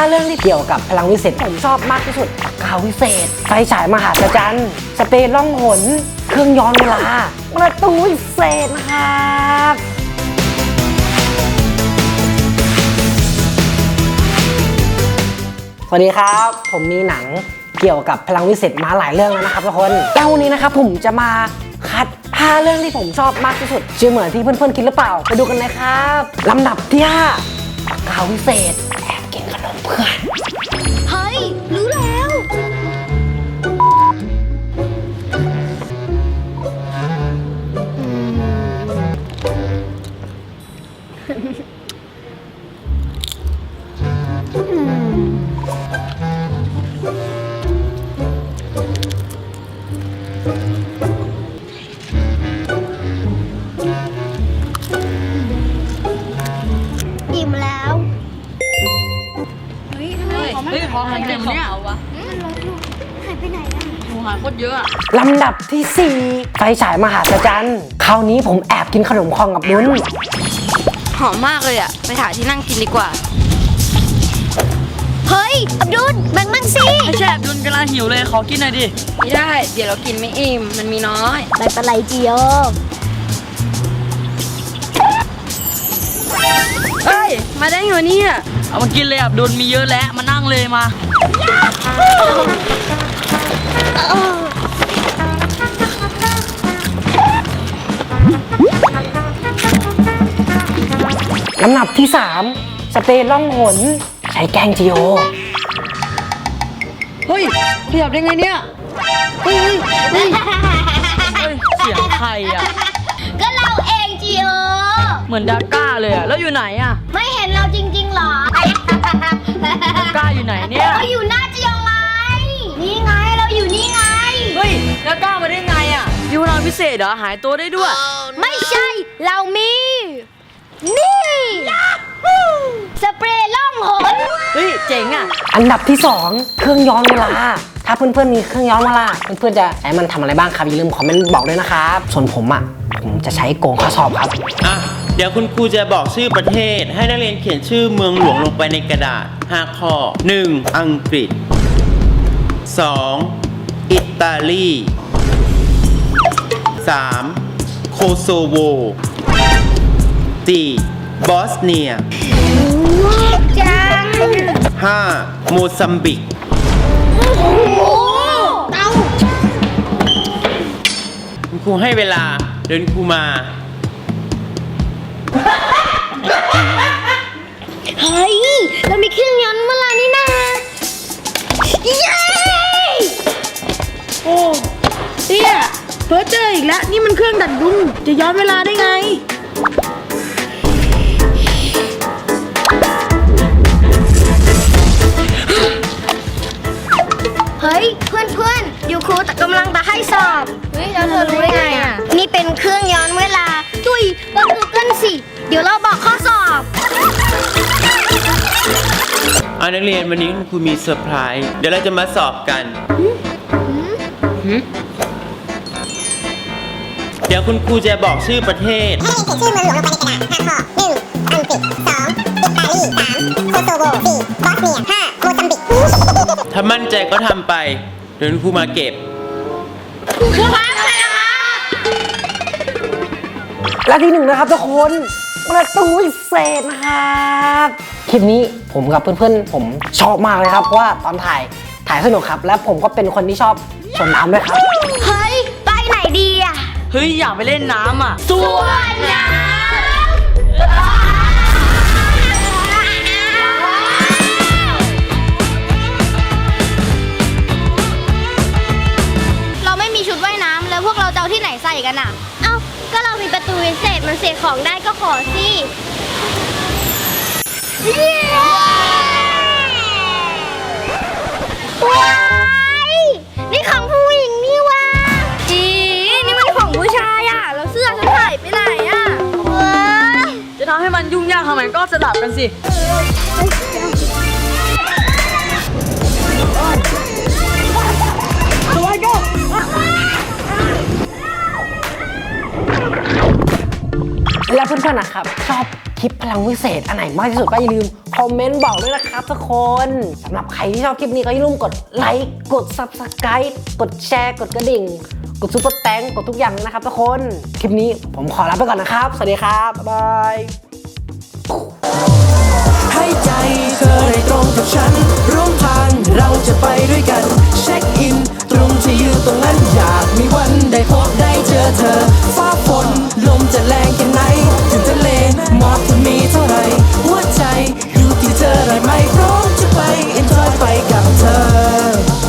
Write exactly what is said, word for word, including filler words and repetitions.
เรื่องที่เกี่ยวกับพลังวิเศษผมชอบมากที่สุดปากกาวิเศษไฟฉายมหาศาลสเปรย์ล่องหนเครื่องย้อนเวลาประตูวิเศษนะครับสวัสดีครับผมมีหนังเกี่ยวกับพลังวิเศษมาหลายเรื่องแล้วนะครับทุกคนแล้ววันนี้นะครับผมจะมาคัดห้าเรื่องที่ผมชอบมากที่สุดชื่อเหมือนที่เพื่อนๆคิดหรือเปล่าไปดูกันเลยครับลำดับที่ห้าปากกาวิเศษแอบกินขนมเพื่อนเฮ้ยรู้แล้วอิ่มแล้วเฮ้ยทำไมของมันเฮ้ยของหายไปไหนเนี่ยมันลดลงหายไปไหนอ่ะหนูหายโคตรเยอะอะลำดับที่สี่ไฟฉายมหาศาลคราวนี้ผมแอบกินขนมคองกับนุ้นหอมมากเลยอะไปหาที่นั่งกินดีกว่าเฮ้ยอับดุลแบ่งมั่งสิไม่ใช่ดุนกำลังหิวเลยขอกินหน่อยดิไม่ได้เดี๋ยวเรากินไม่อิ่มมันมีน้อยไม่เป็นไรจิโอเฮ้ยมาได้ไงวะเนี่ยเอามากินเลยอับดุลมีเยอะแล้วมานั่งเลยมาลำดับที่สามสเปรย์ล่องหนใช้แกงจีโอเฮ้ยขยับได้ไงเนี่ยเฮ้ยเฮ้ยเฮ้ยเฮ้ยเสียงใครอะก็เราเองจิโอเหมือนดาก้าเลยอะแล้วอยู่ไหนอะไม่เห็นเราจริงๆหรอดาก้าอยู่ไหนเนี่ยเราอยู่หน้าจิโอไงนี่ไงเราอยู่นี่ไงเฮ้ยดาก้ามาได้ไงอะอยู่พลังพิเศษเหรอหายตัวได้ด้วยไม่ใช่เรามีนี่สเปรย์ล่องหนเฮ้ยเจ๋งอะอันดับที่สองเครื่องย้อนเวลาถ้าเพื่อนๆมีเครื่องย้อนเวลาเพื่อนๆจะใช้มันทำอะไรบ้างครับอย่าลืมคอมเมนต์บอกด้วยนะครับส่วนผมอ่ะผมจะใช้โกงข้อสอบครับอ่ะเดี๋ยวคุณครูจะบอกชื่อประเทศให้นักเรียนเขียนชื่อเมืองหลวงลงไปในกระดาษห้าข้อ หนึ่ง อังกฤษ สอง อิตาลี สาม โคโซโว สี่ บอสเนียจังห้า โมซัมบิกโอ้เต้าคุณครูให้เวลาเดินครูมาเฮ้ยเรามีเครื่องย้อนเวลานี่นาเย้โอ้เตี้ยเพ้อเจออีกแล้วนี่มันเครื่องดัดดุมจะย้อนเวลาได้ไงเฮ้ยเพื่อนเพื่อนๆอยู่ครูแต่กำลังจะให้สอบเฮ้ยแล้วเธอรู้ได้ไงอ่ะนี่เป็นเครื่องย้อนเวลาจุยเปิดกูเกิลสิเดี๋ยวเราบอกข้อสอบเอานักเรียนวันนี้คุณครูมีเซอร์ไพรส์เดี๋ยวเราจะมาสอบกัน เดี๋ยวคุณครูจะบอกชื่อประเทศให้เขียนชื่อเมืองหลวงลงไปในกระดาษห้าข้อ หนึ่ง อังกฤษ สอง อิตาลี สาม โคโซโว สี่ บอสเนีย ห้า โมซัมบิกถ้ามั่นใจก็ทำไป เดี๋ยวคุณครูมาเก็บและที่หนึ่งนะครับทุกคนประตูวิเศษนะครับคลิปนี้ผมกับเพื่อนๆผมชอบมากเลยครับเพราะว่าตอนถ่ายถ่ายสนุกครับและผมก็เป็นคนที่ชอบชมน้ำด้วยครับเฮ้ยไปไหนดีอ่ะเฮ้ยอยากไปเล่นน้ำอะส่วนน้ำเราไม่มีชุดว่ายน้ำแล้วพวกเราจะเอาที่ไหนใส่กันอ่ะ เอ้าก็เรามีประตูวิเศษมันเสียของได้ก็ขอสิว้ายนี่ของผู้หญิงนี่วะอีนี่มันของผู้ชายอ่ะแล้วเสื้อฉันหายไปไหนอ่ะว้ายจะทำให้มันยุ่งยากทำไมก็สลับกันสิและเพื่อนๆนะครับชอบคลิปพลังวิเศษอันไหนมากที่สุดก็อย่าลืมคอมเมนต์บอกด้วยนะครับทุกคนสำหรับใครที่ชอบคลิปนี้ก็อย่าลืมกดไลค์กด ซับสไครบ์ กดแชร์กดกระดิ่งกดซุปเปอร์แตงกดทุกอย่างเลยนะครับทุกคนคลิปนี้ผมขอลาไปก่อนนะครับสวัสดีครับบ๊ายบายให้ใจเธอได้ตรงกับฉันร่วมทางเราจะไปด้วยกันเช็คอินตรงที่อยู่ตรงนั้นอยากมีวันได้พบได้เจอเธอฟ้า